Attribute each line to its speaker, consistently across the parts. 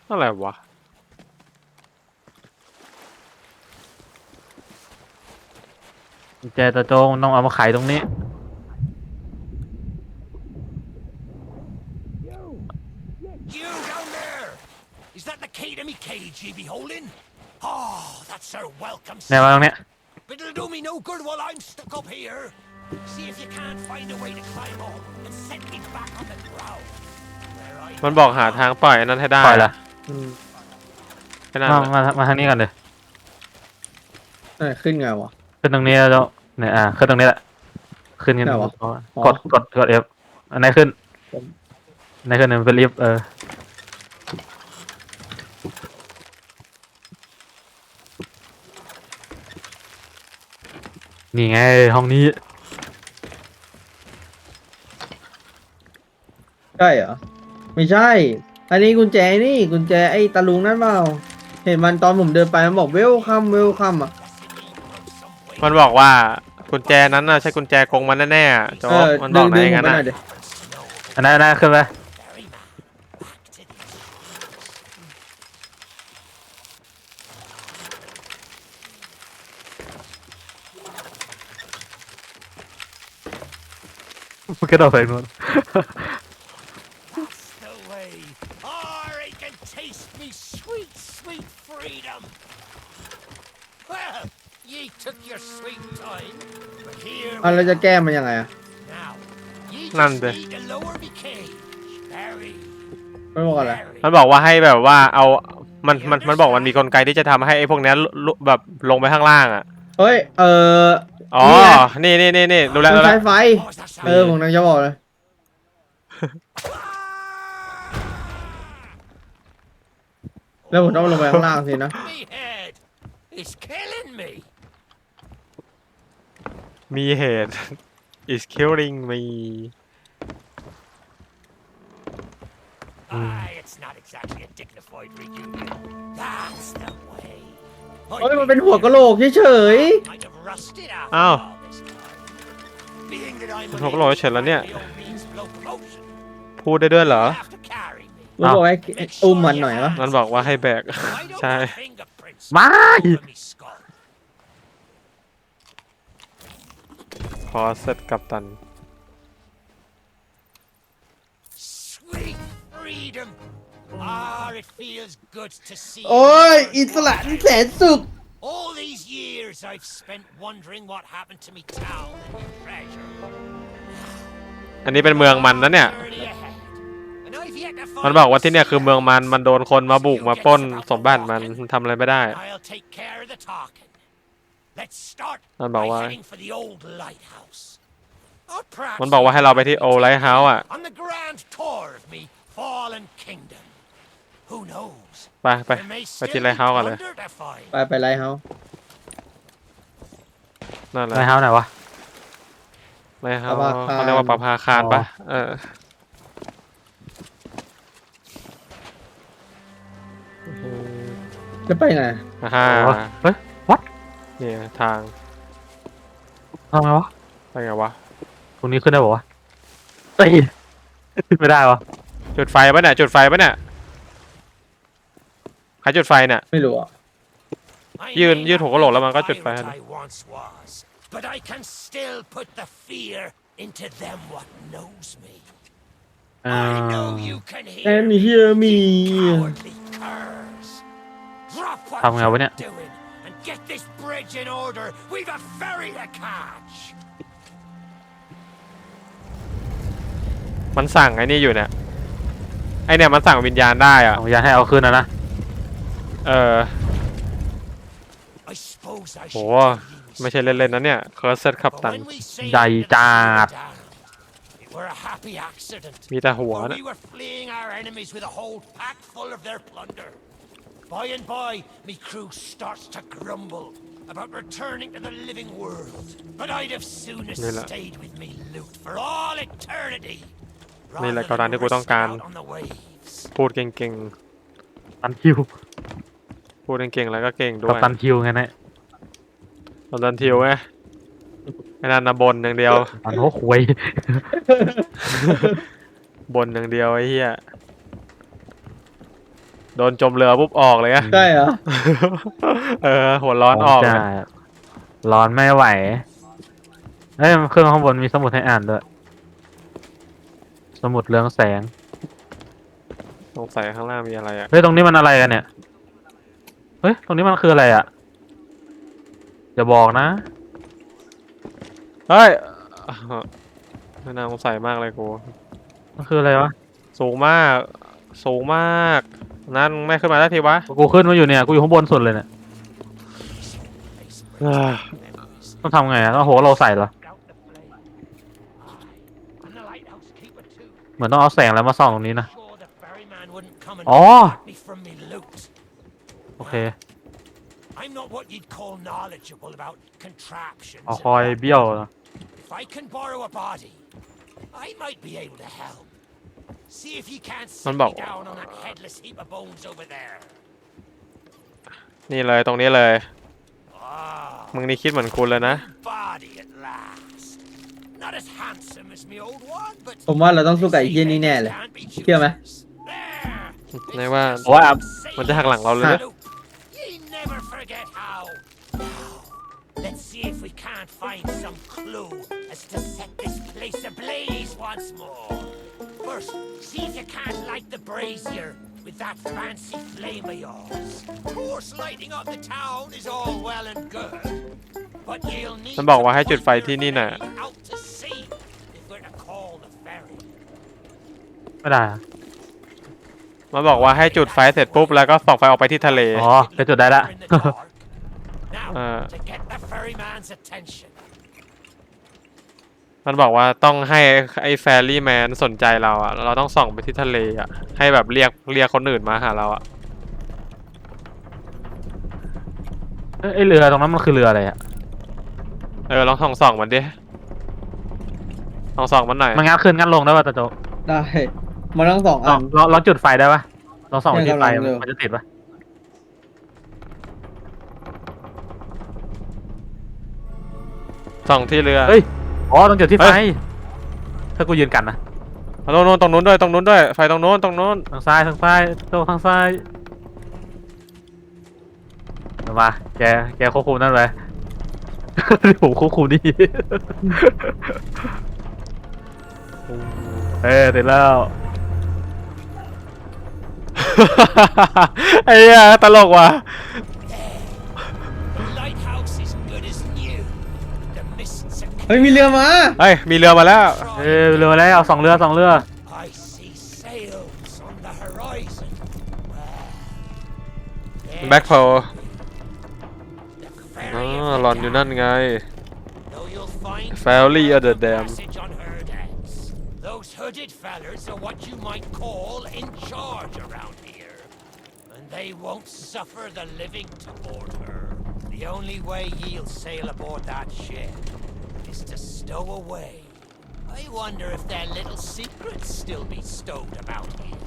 Speaker 1: อะไรวะ
Speaker 2: กุญแจตะโจงต้องเอามาไขตรงนี้
Speaker 3: You down there! Is that the key to me cage ye be holding? Oh, that's our welcome
Speaker 2: เนี่ยมาตรงเนี้ย
Speaker 3: But it'll do me no good while I'm stuck up here. See if you can't find a way to climb up and set me back on the ground.
Speaker 1: มันบอกหาทางปล่อยอันนั้นให้ได้
Speaker 2: ปล่อยละ
Speaker 1: แค่นั้น
Speaker 2: มาทางนี้กันเลย
Speaker 4: ขึ้นไงวะ
Speaker 2: ขึ้นตรงนี้แล้วเนี่ยขึ้นตรงนี้แหละขึ้นกัน
Speaker 4: ไหนวะ
Speaker 2: กด F อันไหนขึ้นอันไหนขึ้นเนี่ยมันเป็นลิฟต์นี่ไงห้องนี้
Speaker 4: ใช่เหรอไม่ใช่ อันนี้กุญแจนี่กุญแจไอ้ตะลุงนั่นเปล่าเห็นมันตอนผมเดินไปมันบอกเวลคัมอ่ะ
Speaker 1: มันบอกว่ากุญแจนั้นน่ะใช่กุญแจกงมันแน่ๆอะโจ๊กมันบอกไหน
Speaker 4: ดึง
Speaker 1: งั้น
Speaker 4: ผม
Speaker 1: น่ะ
Speaker 4: ไปหน่อยดิ
Speaker 2: อันนั้นขึ้นไปมันกระโดดไปนู่น
Speaker 3: That's the way. Oh, I can taste me sweet, sweet freedom. Well, ye took your sweet time, but here
Speaker 4: เรา
Speaker 3: we
Speaker 4: จะ
Speaker 3: are.
Speaker 4: แก้มันยังไงอะ
Speaker 3: Now, ye
Speaker 1: None
Speaker 3: just
Speaker 1: de.
Speaker 3: need to lower me cage. Very,
Speaker 4: มันบอกอะไร
Speaker 3: very.
Speaker 1: มันบอกว่าให้แบบว่าเอามันบอกมันมีกลไกที่จะทำให้ไอ้พวกเนี้ยแบบลงไปข้างล่างอ่ะ
Speaker 4: เฮ้ย
Speaker 1: อ๋อ
Speaker 4: นี่ไง
Speaker 1: นี่ดูแล
Speaker 4: ต้อง
Speaker 1: ดูแล
Speaker 4: ใช้ไฟ
Speaker 3: Oh, is that sound?
Speaker 4: ผมนั่งจะบอกเลย แล้วผมต้องลงไปข้างล่างสินะ
Speaker 3: Me head is killing me.
Speaker 1: มีเหตุ is killing me
Speaker 3: Aye, it's not exactly a dignified reunion. That's the way.
Speaker 4: เฮ้ยมันเป็นหัวกะโหลกเฉย
Speaker 3: Might have rusted out
Speaker 1: Ow.
Speaker 3: all this time. Being that I'm
Speaker 1: หัวกะโหลกเฉยๆแล้วเนี่ย
Speaker 3: unable to carry my own means of locomotion,
Speaker 1: พูดได้ด้วยเหรอ
Speaker 3: you'll have to carry me.
Speaker 4: ๆมันบอกให้อุ้มมันหน่อยวะ
Speaker 1: มันบอกว่าให้แบก
Speaker 3: I don't
Speaker 1: ใช่
Speaker 3: have fingerprints
Speaker 2: ไม่
Speaker 3: over me skull.
Speaker 1: พอเสร็จกับตัน
Speaker 3: Sweet freedom. Ah, it feels good to see.
Speaker 4: โอ้ยอิสระที่แสนสุข
Speaker 3: All these years I've spent wondering what happened to me town and me treasure.
Speaker 1: อันนี้เป็นเมืองมันนะเนี่ย
Speaker 3: Journey ahead. And I've yet to find
Speaker 1: มันบอกว่าที่เนี่ยคือเมืองมันโดนคนมาบุกมาปล้นสมบัติมันทำอะไรไม่ได้
Speaker 3: I'll take care of the talking. Let's start
Speaker 1: มันบอก
Speaker 3: by
Speaker 1: ว่า
Speaker 3: heading for the old lighthouse. Or perhaps
Speaker 1: มันบอกว่าให้เราไปที่โอไลท์เฮาส์อ่ะ
Speaker 3: on the grand tour of me fallen kingdom. Who knows?
Speaker 1: ไป
Speaker 3: There may
Speaker 1: ไปที่
Speaker 3: still
Speaker 1: ไล
Speaker 3: be
Speaker 1: ท์เฮาส์กันเลย
Speaker 3: plunder to find.
Speaker 4: ไปไลท์เฮาส์
Speaker 1: นั่นแหละ
Speaker 2: ไรเฮาส์ไหนวะ
Speaker 1: ไลท์เฮาส์เขาเรียกว่าประภาคารปะเออ
Speaker 4: จะไปไง
Speaker 1: ฮ่า
Speaker 2: เฮ้ย what
Speaker 1: เนี่ยทาง
Speaker 2: ทำไงวะ
Speaker 1: ไปไงวะ
Speaker 2: ตรงนี้ขึ้นได้ปะวะตีไม่ได้วะ
Speaker 1: จุดไฟปะเนี่ยจุดไฟปะเนี่ยใครจุดไฟเนี่ย
Speaker 4: ไม่รู้อ่ะ
Speaker 3: I
Speaker 1: ยืน
Speaker 3: may
Speaker 1: ยืน
Speaker 3: not
Speaker 1: หัวกะโหลกแล้วมันก็
Speaker 3: be
Speaker 1: จุด
Speaker 3: the
Speaker 1: ไฟให้
Speaker 3: pirate I once was, but I can still put the fear into them what knows me.
Speaker 2: อ่า
Speaker 3: I know you can hear
Speaker 4: And
Speaker 3: me,
Speaker 4: hear me.
Speaker 3: you cowardly curs. Drop what
Speaker 2: ทำไงวะเนี่ย
Speaker 3: you're doing and get this bridge in order. We've a ferry to catch.
Speaker 1: มันสั่งไอ้นี่อยู่เนี่ยไอเนี่ยมันสั่งวิญญาณได้อ่ะ
Speaker 2: เอาอย่าให้เอาขึ้นนะ
Speaker 1: เออ
Speaker 3: I suppose I
Speaker 1: โห
Speaker 3: should tell you
Speaker 1: ไม่ใช่เล่นๆนะเนี่ยเคอร์เซตขับ
Speaker 3: But
Speaker 1: ตัน
Speaker 3: when we sailed
Speaker 2: ใหญ่
Speaker 3: into the
Speaker 2: จัด
Speaker 3: Dam, it were a happy accident.
Speaker 1: มีแต่หัว
Speaker 3: For
Speaker 1: นะ
Speaker 3: we were fleeing our enemies with a whole pack full of their plunder. By and by, me crew starts to grumble about returning to the living world. But I'd have soonest
Speaker 1: Nila.
Speaker 3: stayed with me loot for all eternity.
Speaker 1: Nila,
Speaker 3: rather
Speaker 1: kau
Speaker 3: than
Speaker 1: nanti ku
Speaker 3: risk it
Speaker 1: tongkan.
Speaker 3: out on the waves.
Speaker 1: พูดเก่ง
Speaker 2: ตันคิว
Speaker 1: ๆพูดเก่งๆแล้วก็เก่งด้
Speaker 2: กับ
Speaker 1: วย
Speaker 2: ตันคิวไงเนี่ย
Speaker 1: ตอนดันทิวไงไอ้นั่นนะบนอย่างเดียว
Speaker 2: ตันโอ้ควย
Speaker 1: บนอย่างเดียวไอ้เหี้ยโดนจมเรือปุ๊บออกเลยอะ
Speaker 4: ใช่เหรอ
Speaker 1: หัวร้อนออก
Speaker 2: จะ
Speaker 1: เลย
Speaker 2: ร้อนไม่ไหวเฮ้ยเครื่องข้างบนมีสมุดให้อ่านด้วยสมุดเรืองแสง
Speaker 1: สงสัยข้างล่างมีอะไรอะ
Speaker 2: เฮ้ยตรงนี้มันอะไรกันเนี่ยเฮ้ยตรงนี้มันคืออะไรอ่ะอย่าบอกนะ
Speaker 1: เฮ้ยไม่น่าสงสัยมากเลยกู
Speaker 2: มันคืออะไรวะ
Speaker 1: สูงมาก สูงมาก นั่นไม่ขึ้นมาได้ทีวะ
Speaker 2: กูขึ้นมาอยู่เนี่ยกูอยู่ข้างบนสุดเลยเนี่ย
Speaker 1: เอ้ย
Speaker 2: ต้องทำไงอ่ะต้องโหเราใส่เหรอ
Speaker 3: And the lighthouse keeper too.
Speaker 2: เหมือนต้องเอาแสงแล้วมาส่องตรงนี้นะ
Speaker 3: Sure the ferryman wouldn't come and
Speaker 2: อ๋อ
Speaker 3: stop me from me loot.
Speaker 2: โอเค
Speaker 3: I'm not what you'd call knowledgeable about contraptions.
Speaker 2: เอา
Speaker 3: and
Speaker 2: คอย
Speaker 3: that.
Speaker 2: เบี้ยว
Speaker 3: If I can borrow a body, I might be able to help. See if you can't sit me down on that headless heap of bones over there.
Speaker 1: นี่เลยตรงนี้เลย
Speaker 3: Ah,
Speaker 1: มึงนี่คิดเหมือนกูเลยนะ
Speaker 3: body at last. Not as handsome as me old one, but
Speaker 4: ผมว่าเราต้องสู้กับไอ้เหี้ยนี่แน่เลย
Speaker 3: can't be
Speaker 4: เชื่อไหม
Speaker 3: choosers. There.
Speaker 1: ในว่า
Speaker 2: โอ้ย
Speaker 1: มันจะหักหลังเราเลยนะ
Speaker 3: Ye never forget how. Now, let's see if we can't find some clue as to set this place ablaze once more. First, see if you can't light the brazier with that fancy flame of yours. Of course, lighting up the town is all well and good, but you'll need
Speaker 1: มันบอกว่าให้
Speaker 3: to
Speaker 1: จุดไฟ
Speaker 3: put
Speaker 1: ที่
Speaker 3: your
Speaker 1: นี่น่ะ
Speaker 3: ferry out to sea if we're to call the ferry.
Speaker 2: ไม่ได้อะ
Speaker 1: มันบอกว่าให้จุดไฟเสร็จปุ๊บแล้วก็ส่องไฟออกไปที่ทะเล
Speaker 2: อ๋อไปจุดได้ละ
Speaker 3: In the dark. Now,
Speaker 1: Uh.
Speaker 3: to get the ferryman's attention.
Speaker 1: มันบอกว่าต้องให้ไอ้แฟรี่แมนสนใจเราอะเราต้องส่องไปที่ทะเลอะให้แบบเรียกคนอื่นมาหาเราอะ
Speaker 2: เอ้ยไอเรือตรงนั้นมันคือเรืออะไรอ่ะ
Speaker 1: ลองส่องมันดิส่องมันหน่อย
Speaker 2: มันงัดขึ้นงัดลงได้ป่ะตาโจ
Speaker 4: ได้ มันต้องสอง
Speaker 2: ล
Speaker 4: อั
Speaker 2: อง
Speaker 4: น
Speaker 2: ลองจุดไฟได้ป่ะลองส่องไปที่ไฟ
Speaker 4: เนี่ยกำลังเร็ว
Speaker 2: มันจะติดป่ะ
Speaker 1: ส่องที่เรือ
Speaker 2: เฮ้ยอ๋อต้องจุดที่ไฟ
Speaker 1: เฮ้ย
Speaker 2: ถ้ากูยืนกันนะ
Speaker 1: โน่นตรงนู้นด้วยไฟตรงนู้น
Speaker 2: ทางซ้ายโจทางซ้ายมาแกควบคุมนั่นไป ผมควบคุมนี่ เฮ้ยติดแล้ว
Speaker 1: ไอ้เหี้ยตลกว่ะ
Speaker 3: The lighthouse is good as new. The mists have
Speaker 4: เฮ้ย มีเรือมา
Speaker 1: เฮ้ยมีเรือมาแล้ว
Speaker 2: เอ้ยเรือมาแล้วสองเรือ
Speaker 3: I see sails on the horizon. Well,
Speaker 1: แบ็คโพ
Speaker 3: the
Speaker 1: อ๋อ
Speaker 3: ferry of the
Speaker 1: หลอนอยู่นั่นไง
Speaker 3: Though you'll find
Speaker 1: Ferry
Speaker 3: no
Speaker 1: of the
Speaker 3: other
Speaker 1: dam.
Speaker 3: passage on her decks. Those hooded fellers are what you might call in charge around here. And they won't suffer the living to board her. The only way ye'll sail aboard that ship is to stow away. I wonder if their little secrets still be stowed about here.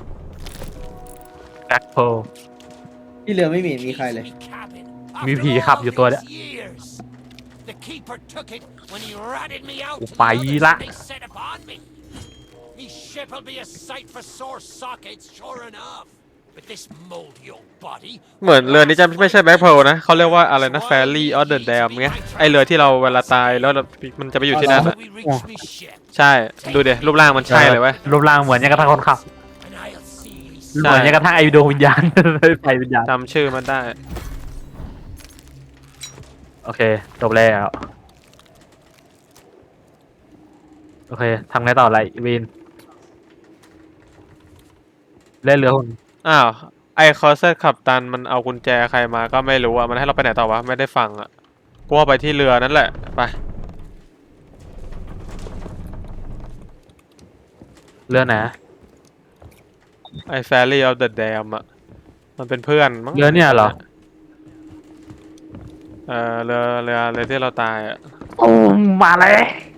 Speaker 2: แบ็คโพ
Speaker 4: ที่เรือไม่มีมีใครเลย
Speaker 3: Me cabin.
Speaker 2: มี
Speaker 3: After
Speaker 2: ผีขับ
Speaker 3: all
Speaker 2: อยู่ตัวเนี่ย
Speaker 3: these years. The keeper took it when he ratted me out to the
Speaker 2: ไป
Speaker 3: others
Speaker 2: ละ
Speaker 3: and they set upon me. Me ship'll be a sight for sore sockets, sure enough. But this moldy old body.
Speaker 1: เหมือนเรือนี้จะไม่ใช่แบ็คโพนะเขาเรียกว่าอะไรนะแฟรี่ออเดอร์แดมไงไอเรือที่เราเวลาตายแล้วมันจะไปอยู่ที่นั่นอะ
Speaker 3: We reach me ship,
Speaker 1: ใช่ดูดิรูปร่างมันใช่เลยเว้ย
Speaker 2: รูปร่างเหมือนยังกระทั่งคนขับ
Speaker 3: and I'll see ye
Speaker 2: เหมือนยังกระทั่งไอดวงวิญญาณ ไฟวิญญาณ
Speaker 1: จำชื่อมันได้
Speaker 2: โอเคจบแล้วโอเคทำไงต่อไรวินเล่นเรือหุ่น
Speaker 1: อ้าวไอคอสเซอร์ขับตันมันเอากุญแจใครมาก็ไม่รู้อะมันให้เราไปไหนต่อวะไม่ได้ฟังอะกูว่าไปที่เรือนั่นแหละไป
Speaker 2: เรือไหน
Speaker 1: ไอแฟรี่ออฟเดอะแดมอะมันเป็นเพื่อนมั้ง
Speaker 2: เรือเนี่ยเหรอ
Speaker 1: เรือที่เราตายอะ
Speaker 2: โอ้มาแล้ว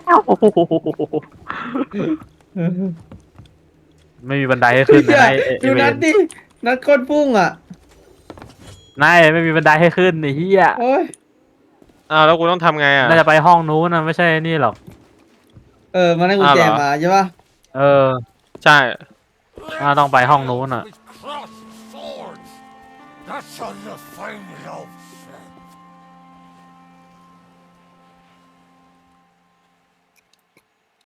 Speaker 2: ไม่มีบันไดให้ขึ้นนะไอ้
Speaker 4: ดูนัดดิ นัดโคตรพุ่งอ่ะ
Speaker 2: นายไม่มีบันไดให้ขึ้นไอ้เหี้ย
Speaker 4: โอ้ย
Speaker 1: อ้าวแล้วกูต้องทำไงอะ
Speaker 2: น่าจะไปห้องนู้นนะไม่ใช่นี่หรอก
Speaker 4: มันได้กุญแจมาใช่ปะ
Speaker 2: เออ
Speaker 1: ใช่
Speaker 2: ต้องไปห้องนู้นอะ
Speaker 3: with cross That's on the fine loaf.